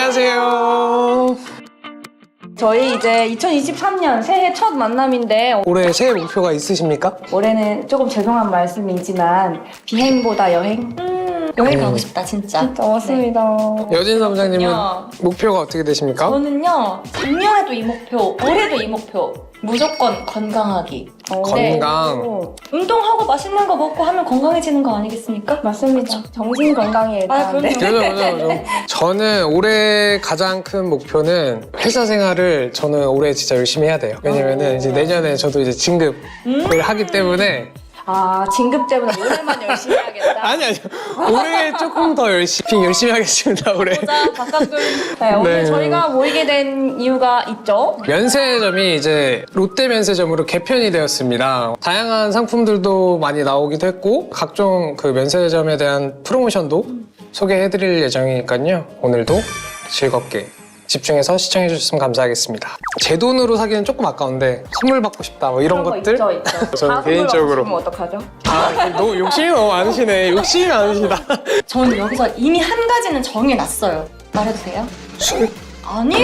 안녕하세요. 저희 이제 2023년 새해 첫 만남인데 올해 새해 목표가 있으십니까? 올해는 조금 죄송한 말씀이지만 비행보다 여행? 여행 가고 싶다 진짜. 진짜 맞습니다. 여진 사무장님은 그렇군요. 목표가 어떻게 되십니까? 저는요 작년에도 이 목표, 올해도 이 목표. 무조건 건강하기. 건강. 운동하고 맛있는 거 먹고 하면 건강해지는 거 아니겠습니까? 맞습니다. 정신 건강이 일단. 그럼요. 그죠. 저는 올해 가장 큰 목표는 회사 생활을 저는 올해 진짜 열심히 해야 돼요. 왜냐면은 이제 내년에 저도 이제 진급을 하기 때문에 아, 진급제보다 올해만 열심히 해야겠다. 아니 올해 조금 더 열심히 하겠습니다. 올해. 보자 바깥을. 네, 오늘 네. 저희가 모이게 된 이유가 있죠. 면세점이 이제 롯데 면세점으로 개편이 되었습니다. 다양한 상품들도 많이 나오기도 했고 각종 그 면세점에 대한 프로모션도 소개해드릴 예정이니까요. 오늘도 즐겁게 집중해서 시청해 주셨으면 감사하겠습니다. 제 돈으로 사기는 조금 아까운데 선물 받고 싶다 뭐 이런 그런 거 것들 있죠. 저는 다 개인적으로 선물 어떡하죠? 너무 욕심이 너무 많으시네. 욕심이 많으시다. 저는 여기서 이미 한 가지는 정해놨어요. 말해도 돼요? 술? 아니요.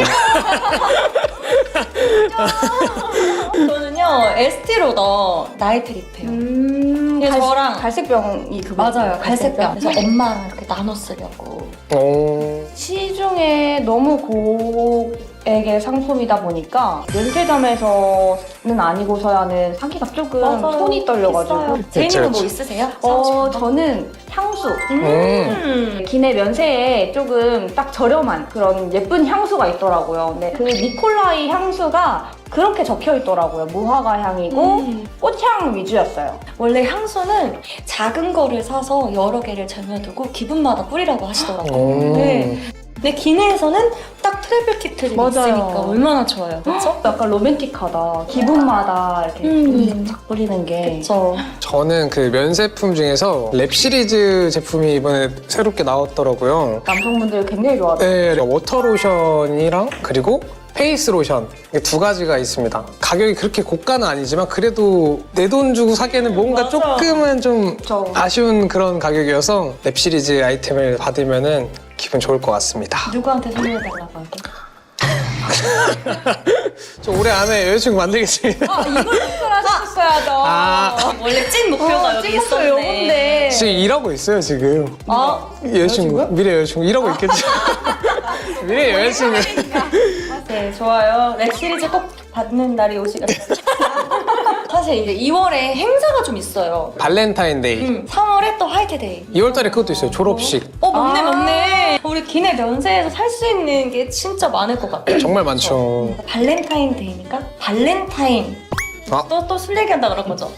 저는요 에스티로더 나이트 립해요. 예, 저랑- 갈색병이 그거 맞아요, 갈색병. 그래서 엄마랑 이렇게 나눠 쓰려고. 시중에 너무 고액의 상품이다 보니까 면세점에서는 아니고서야는 사기가 조금 손이 떨려가지고. 제이님은 뭐 그쵸. 있으세요? 사고 싶은 거? 저는 향수. 음. 기내 면세에 조금 딱 저렴한 그런 예쁜 향수가 있더라고요. 근데 그 니콜라이 향수가 그렇게 적혀 있더라고요. 무화과 향이고 꽃향 위주였어요. 원래 향수는 작은 거를 사서 여러 개를 쟁여두고 기분마다 뿌리라고 하시더라고요. 네. 근데 기내에서는 딱 트래블 키트들이 맞아요. 있으니까 얼마나 좋아요. 그렇죠? 약간 로맨틱하다. 기분마다 이렇게 쫙 뿌리는 게. 그렇죠. 저는 그 면세품 중에서 랩 시리즈 제품이 이번에 새롭게 나왔더라고요. 남성분들 굉장히 좋아하더라고요. 네, 워터 로션이랑 그리고 페이스 로션 이게 두 가지가 있습니다. 가격이 그렇게 고가는 아니지만 그래도 내 돈 주고 사기에는 뭔가 맞아. 조금은 좀 그쵸. 아쉬운 그런 가격이어서 랩 시리즈 아이템을 받으면은 기분 좋을 것 같습니다. 누구한테 선물해달라고 하게? 저 올해 안에 여자친구 만들겠습니다. 이걸 목표로 하셨어야죠. 원래 찐 목표가 여기 있었네. 요건데. 지금 일하고 있어요 지금. 여자친구 여자친구요? 미래 여자친구 일하고 있겠죠. 미래 여자친구. 네, 좋아요. 랩 시리즈 꼭 받는 날이 오시겠어요. 사실 이제 2월에 행사가 좀 있어요. 발렌타인데이. 3월에 또 화이트데이. 2월달에 그것도 있어요. 졸업식. 맞네, 맞네. 우리 기내 면세에서 살 수 있는 게 진짜 많을 것 같아요. 정말 많죠. 발렌타인데이니까 발렌타인. 아. 또 술 얘기한다 그런 거죠.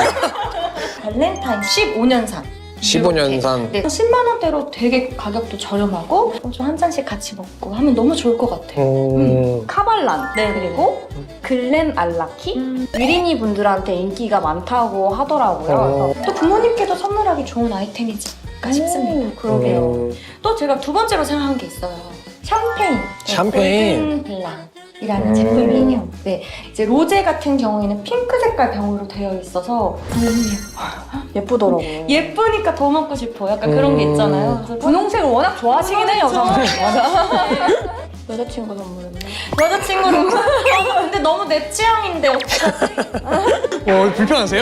발렌타인 15년산. 15년산. 네, 10만 원대로 되게 가격도 저렴하고 좀 한 잔씩 같이 먹고 하면 너무 좋을 것 같아요. 카발란. 네, 그리고 글렌 알라키. 위린이 분들한테 인기가 많다고 하더라고요. 또 부모님께도 선물하기 좋은 아이템이지 않을까 싶습니다. 그러게요. 또 제가 두 번째로 생각한 게 있어요. 샴페인. 샴페인. 골든블랑이라는 제품이에요. 네, 이제 로제 같은 경우에는 핑크 색깔 병으로 되어 있어서 너무 예쁘더라고요. 예쁘니까 더 먹고 싶어. 약간 그런 게 있잖아요. 그래서 분홍색을 워낙 좋아하시긴 해요, 그렇죠. 맞아. 여자친구 선물했나? 여자친구로. 근데 너무 내 취향인데 어떡하지? 불편하세요?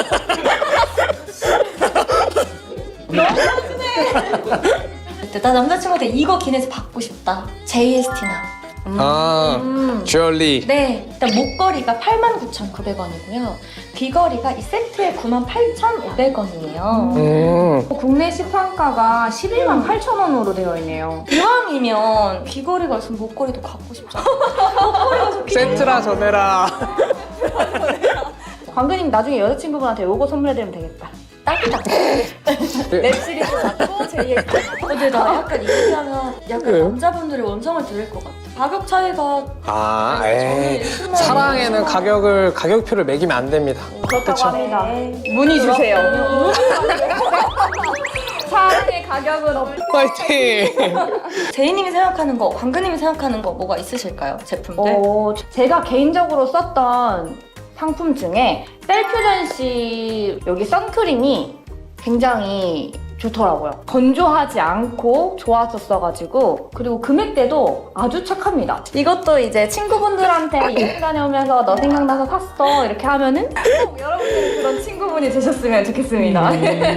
그때 나 남자친구한테 이거 기내에서 받고 싶다. JST나. 주얼리. 네, 일단 목걸이가 89,900원이고요. 귀걸이가 이 세트에 98,500원이에요. 국내 시판가가 11만 8천 원으로 되어 있네요. 이왕이면 귀걸이가 있으면 목걸이도 갖고 싶잖아. 세트라 전해라. 광근님 나중에 여자친구분한테 요거 선물해드리면 되겠다. 딱딱. 웹 시리즈 받고 JST. 근데 나 약간 얘기하면 약간 그래요? 남자분들의 원성을 들을 것 같아. 가격 차이가 에이. 사랑에는 가격표를 매기면 안 됩니다. 그렇다고 그쵸? 합니다. 문의 주세요. 사랑의 가격은 없. 파이팅! 제이님이 생각하는 거, 광근님이 생각하는 거 뭐가 있으실까요? 제품들? 제가 개인적으로 썼던 상품 중에 셀퓨전시 여기 선크림이 굉장히 좋더라고요. 건조하지 않고 좋았었어가지고 그리고 금액대도 아주 착합니다. 이것도 이제 친구분들한테 여행 다녀오면서 너 생각나서 샀어 이렇게 하면은 꼭 여러분들이 그런 친구분이 되셨으면 좋겠습니다.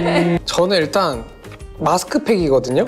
저는 일단 마스크팩이거든요.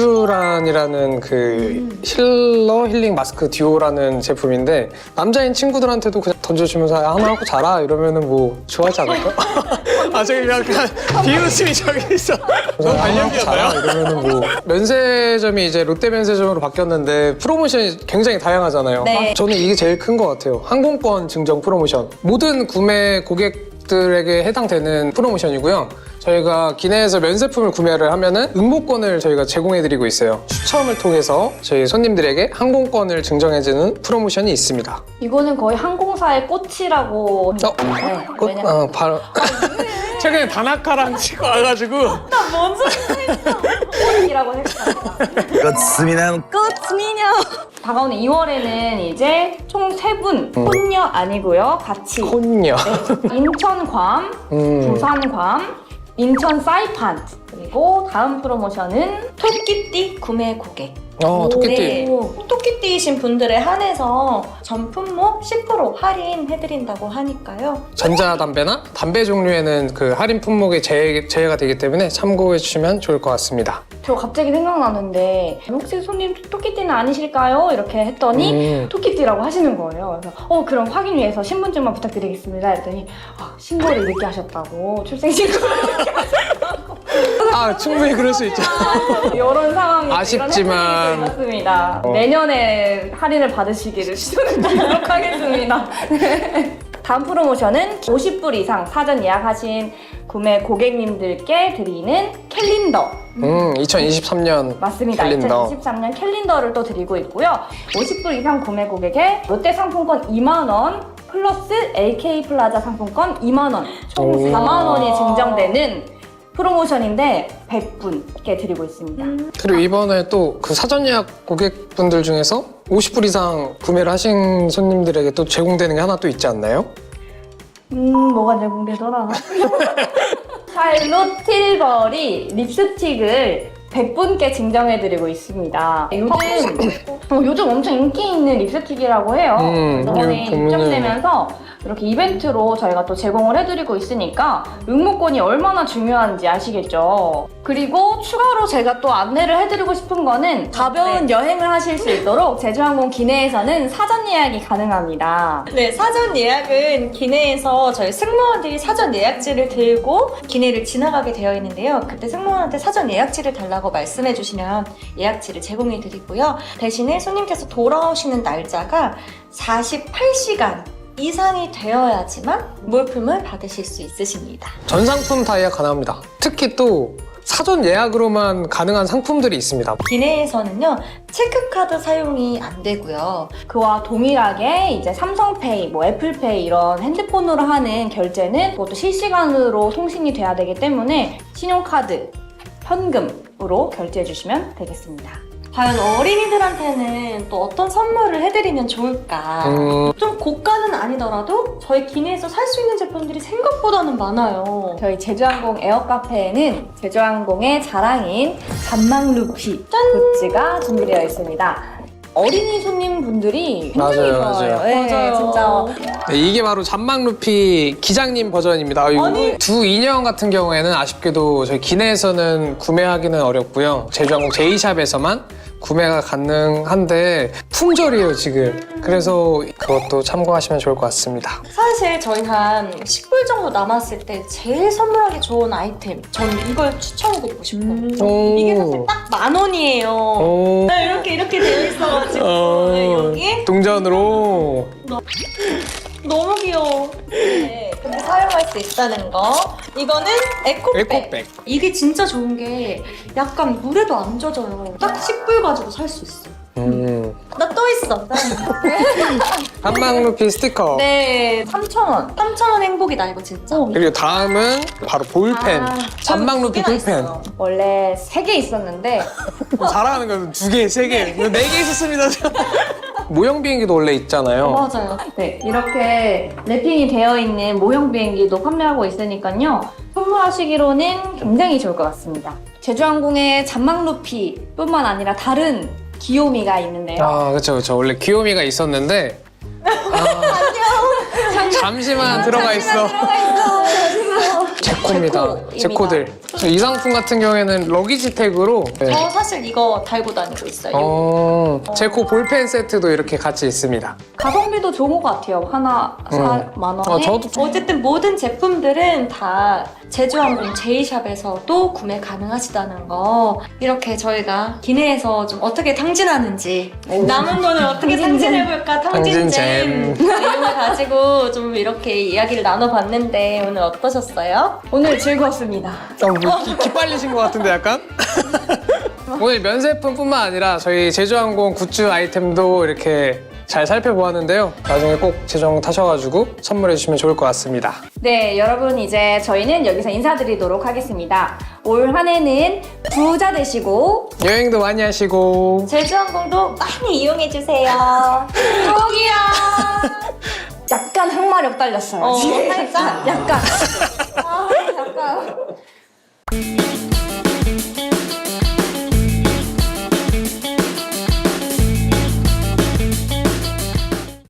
리쥬란이라는 그 힐링 마스크 듀오라는 제품인데 남자인 친구들한테도 그냥 던져주면서 하나 하고 자라 이러면은 뭐 좋아하지 않을까? 아 저기 약간 비웃음이 저기 있어. 너무 관련비였나요? 이러면은 뭐 면세점이 이제 롯데 면세점으로 바뀌었는데 프로모션이 굉장히 다양하잖아요. 네. 저는 이게 제일 큰 것 같아요. 항공권 증정 프로모션. 모든 구매 고객들에게 해당되는 프로모션이고요. 저희가 기내에서 면세품을 구매를 하면은 응모권을 저희가 제공해드리고 있어요. 추첨을 통해서 저희 손님들에게 항공권을 증정해주는 프로모션이 있습니다. 이거는 거의 항공사의 꽃이라고. 네, 꽃? 왜냐면 바로. 최근에 다나카랑 치고 와가지고. 나뭔 소리 했어? 꽃이라고 생각합니다. 꽃미남 꽃미녀. 다가오는 2월에는 이제 총 3분 혼녀 아니고요. 같이 혼녀. 인천 괌, 부산 괌, 인천 사이판 그리고 다음 프로모션은 토끼띠 구매 고객. 토끼띠. 토끼띠이신 분들에 한해서 전 품목 10% 할인해드린다고 하니까요. 전자담배나 담배 종류에는 그 할인 품목이 제외가 되기 때문에 참고해 주시면 좋을 것 같습니다. 저 갑자기 생각나는데 혹시 손님 토끼띠는 아니실까요? 이렇게 했더니 토끼띠라고 하시는 거예요. 그래서 그럼 확인 위해서 신분증만 부탁드리겠습니다 했더니 신고를 늦게 하셨다고 출생신고를 늦게 하셨다고 아, 충분히 그럴 수 있죠. 이런 상황이 아쉽지만. 이런 있었습니다. 내년에 할인을 받으시기를 추천드리도록 하겠습니다. 다음 프로모션은 50불 이상 사전 예약하신 구매 고객님들께 드리는 캘린더. 2023년 맞습니다. 캘린더. 2023년 캘린더를 또 드리고 있고요. 50불 이상 구매 고객에 롯데 상품권 2만 원 플러스 LK 플라자 상품권 2만 원, 총 4만 원이 증정되는 프로모션인데 100분께 드리고 있습니다. 그리고 이번에 또 그 사전 예약 고객분들 중에서 50불 이상 구매를 하신 손님들에게 또 제공되는 게 하나 또 있지 않나요? 뭐가 제공되더라? 샬롯 틸버리 립스틱을 100분께 증정해드리고 있습니다. 요즘 엄청 인기 있는 립스틱이라고 해요. 이번에 이거 보면은- 입점되면서 이렇게 이벤트로 저희가 또 제공을 해드리고 있으니까 응모권이 얼마나 중요한지 아시겠죠? 그리고 추가로 제가 또 안내를 해드리고 싶은 거는 가벼운 여행을 하실 수 있도록 제주항공 기내에서는 사전 예약이 가능합니다. 네, 사전 예약은 기내에서 저희 승무원들이 사전 예약지를 들고 기내를 지나가게 되어 있는데요. 그때 승무원한테 사전 예약지를 달라고 말씀해 주시면 예약지를 제공해 드리고요. 대신에 손님께서 돌아오시는 날짜가 48시간 이상이 되어야지만 물품을 받으실 수 있으십니다. 전 상품 다 예약 가능합니다. 특히 또 사전 예약으로만 가능한 상품들이 있습니다. 기내에서는요, 체크카드 사용이 안 되고요. 그와 동일하게 이제 삼성페이, 애플페이 이런 핸드폰으로 하는 결제는 그것도 실시간으로 송신이 돼야 되기 때문에 신용카드, 현금으로 결제해 주시면 되겠습니다. 과연 어린이들한테는 또 어떤 선물을 해드리면 좋을까? 좀 고가는 아니더라도 저희 기내에서 살 수 있는 제품들이 생각보다는 많아요. 저희 제주항공 에어카페에는 제주항공의 자랑인 잔망루피 굿즈가 준비되어 있습니다. 어린이 손님분들이 굉장히 맞아요, 좋아요. 맞아요. 네, 맞아요. 진짜. 네, 이게 바로 잔망루피 기장님 버전입니다. 두 인형 같은 경우에는 아쉽게도 저희 기내에서는 구매하기는 어렵고요. 제주항공 제이샵에서만 구매가 가능한데 품절이에요 지금. 그래서 그것도 참고하시면 좋을 것 같습니다. 사실 저희 한 10불 정도 남았을 때 제일 선물하기 좋은 아이템, 저는 이걸 추천해드리고 싶어요. 이게 사실 딱 10,000원이에요. 이렇게 되어 있어가지고 네, 여기에 동전으로. 너무 귀여워. 네, 근데 사용할 수 있다는 거. 이거는 에코백. 이게 진짜 좋은 게 약간 물에도 안 젖어요. 딱 10불 가지고 살 수 있어. 나 또 있어. 한방루피 스티커. 네, 3,000원. 3,000원 행복이다, 이거 진짜. 그리고 다음은 바로 볼펜. 잔망루피 두 개나 볼펜. 있어요. 원래 3개 있었는데 자랑하는 건 2개, 3개, 4개 있었습니다. 모형 비행기도 원래 있잖아요. 맞아요. 네, 이렇게 랩핑이 되어 있는 모형 비행기도 판매하고 있으니까요. 선물하시기로는 굉장히 좋을 것 같습니다. 제주항공의 잔망루피뿐만 아니라 다른 귀요미가 있는데요. 아, 그쵸. 원래 귀요미가 있었는데. 잠시만 들어가 있어. 제코입니다. 제코입니다. 제코들. 이 상품 같은 경우에는 러기지 태그로. 네. 저 사실 이거 달고 다니고 있어요. 제코 볼펜 세트도 이렇게 같이 있습니다. 가성비도 좋은 것 같아요. 하나 4만 원에. 저도 어쨌든 모든 제품들은 다 제주항공 제이샵에서도 구매 가능하시다는 거, 이렇게 저희가 기내에서 좀 어떻게 탕진하는지, 남은 돈을 어떻게 탕진해볼까, 탕진잼 내용을 가지고 좀 이렇게 이야기를 나눠봤는데 오늘 어떠셨어요? 오늘 즐거웠습니다. 뭐 기빨리신 것 같은데 약간? 오늘 면세품뿐만 아니라 저희 제주항공 굿즈 아이템도 이렇게 잘 살펴보았는데요. 나중에 꼭 제주항공 타셔가지고 선물해 주시면 좋을 것 같습니다. 네, 여러분 이제 저희는 여기서 인사드리도록 하겠습니다. 올 한 해는 부자 되시고 여행도 많이 하시고 제주항공도 많이 이용해주세요. 꼭이요. 약간 항마력 딸렸어요. 지금 살짝? 약간.